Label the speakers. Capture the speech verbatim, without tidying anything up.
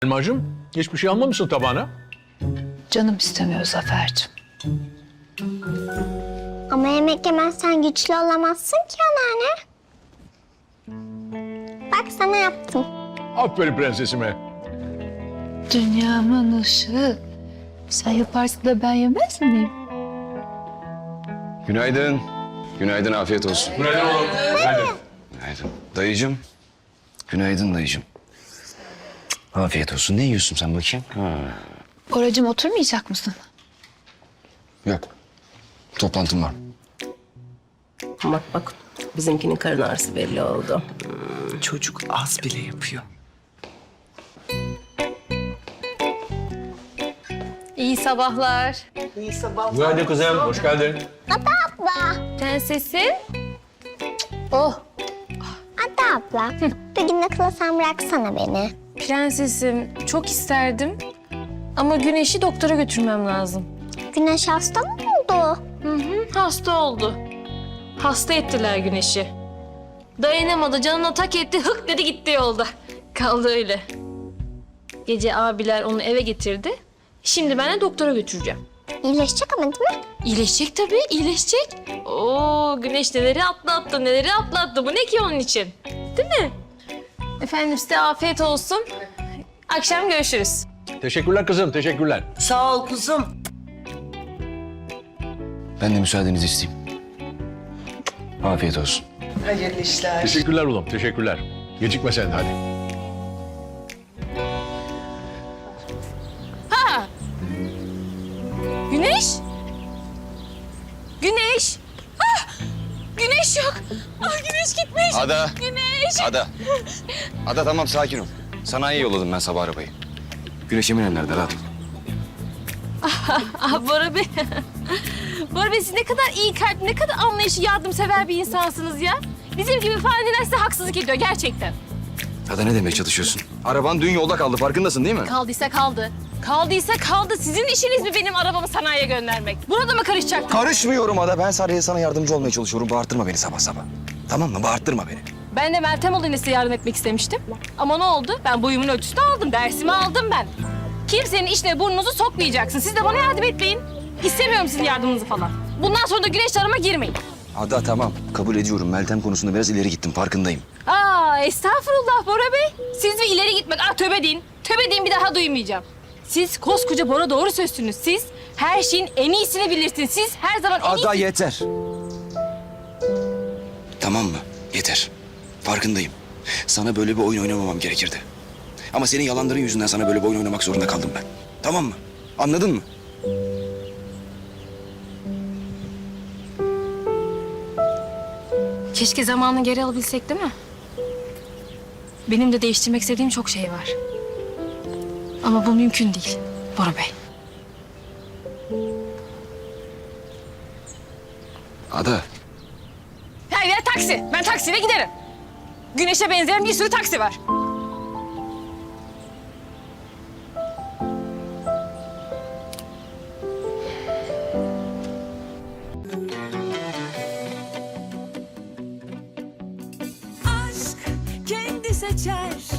Speaker 1: Elmacığım, hiçbir şey almamışsın tabağına.
Speaker 2: Canım istemiyor Zafer'cim.
Speaker 3: Ama yemek yemezsen güçlü olamazsın ki anneanne. Bak sana yaptım.
Speaker 1: Aferin prensesime.
Speaker 2: Dünyamın ışığı. Sen yaparsın da ben yemez miyim?
Speaker 4: Günaydın. Günaydın, afiyet olsun.
Speaker 1: Günaydın oğlum. Günaydın.
Speaker 4: Günaydın. Dayıcığım. Günaydın dayıcığım. Afiyet olsun. Ne yiyorsun sen bakayım? Ha.
Speaker 2: Oracığım oturmayacak mısın?
Speaker 4: Yok. Toplantım var.
Speaker 5: Bak bak bizimkinin karın ağrısı belli oldu.
Speaker 6: Çocuk az bile yapıyor.
Speaker 7: İyi sabahlar.
Speaker 6: İyi sabahlar.
Speaker 1: Günaydın kızım, hoş geldin.
Speaker 3: Abla.
Speaker 7: Prensesim. Oh,
Speaker 3: Hatta abla. Bugün okula sen bıraksana beni.
Speaker 7: prensesim. Çok isterdim. Ama Güneş'i doktora götürmem lazım.
Speaker 3: Güneş hasta mı oldu?
Speaker 7: Hı hı, hasta oldu. Hasta ettiler Güneş'i. Dayanamadı, canına tak etti, hık dedi gitti yolda. Kaldı öyle. Gece abiler onu eve getirdi. Şimdi ben de doktora götüreceğim.
Speaker 3: İyileşecek ama değil mi?
Speaker 7: İyileşecek tabii, iyileşecek. Oo, Güneş neleri atlattı, neleri atlattı. Bu ne ki onun için? Değil mi? Efendim size afiyet olsun. Akşam görüşürüz.
Speaker 1: Teşekkürler kızım, teşekkürler.
Speaker 6: Sağ ol kuzum.
Speaker 4: Ben de müsaadenizi isteyeyim. Afiyet olsun.
Speaker 6: Hayırlı işler.
Speaker 1: Teşekkürler oğlum, teşekkürler. Gecikme sen de hadi.
Speaker 7: Güneş? Güneş? Ah! Güneş yok. Ah, güneş gitmiş.
Speaker 4: Ada.
Speaker 7: Güneş.
Speaker 4: Ada. Ada tamam, sakin ol. Sanayiye yolladım ben sabah arabayı. Güneş Emine nerede? Rahat ol.
Speaker 7: Ah Bora Bey. Bora Bey siz ne kadar iyi kalp, ne kadar anlayışı, yardımsever bir insansınız ya. Bizim gibi faniler size haksızlık ediyor gerçekten.
Speaker 4: Ada ne demeye çalışıyorsun? Araban dün yolda kaldı, farkındasın değil mi?
Speaker 7: Kaldıysa kaldı. Kaldıysa kaldı. Sizin işiniz mi benim arabamı sanayiye göndermek? Burada mı karışacaktım?
Speaker 4: Karışmıyorum Ada. Ben sadece sana yardımcı olmaya çalışıyorum. Bağırtırma beni sabah sabah. Tamam mı? Bağırtırma beni.
Speaker 7: Ben de Meltem olayına size yardım etmek istemiştim. Ama ne oldu? Ben boyumun ölçüsünü aldım. Dersimi aldım ben. Kimsenin işine burnunuzu sokmayacaksın. Siz de bana yardım etmeyin. İstemiyorum sizin yardımınızı falan. Bundan sonra da güneş arama girmeyin.
Speaker 4: Ada tamam. Kabul ediyorum. Meltem konusunda biraz ileri gittim. Farkındayım.
Speaker 7: Aa estağfurullah Bora Bey. Siz bir ileri gitmek. Ah tövbe deyin. Tövbe deyin bir daha duymayacağım. Siz koskoca Bora doğru sözsünüz. Siz her şeyin en iyisini bilirsiniz. Siz her zaman en
Speaker 4: Ada
Speaker 7: iyisi...
Speaker 4: yeter. Tamam mı? Yeter. Farkındayım. Sana böyle bir oyun oynamamam gerekirdi. Ama senin yalanların yüzünden sana böyle bir oyun oynamak zorunda kaldım ben. Tamam mı? Anladın mı?
Speaker 7: Keşke zamanını geri alabilsek değil mi? Benim de değiştirmek istediğim çok şey var. Ama bu mümkün değil Bora Bey.
Speaker 4: Ada.
Speaker 7: Her yer taksi. Ben taksiyle giderim. Güneşe benzeyen bir sürü taksi var.
Speaker 8: Aşk kendi seçer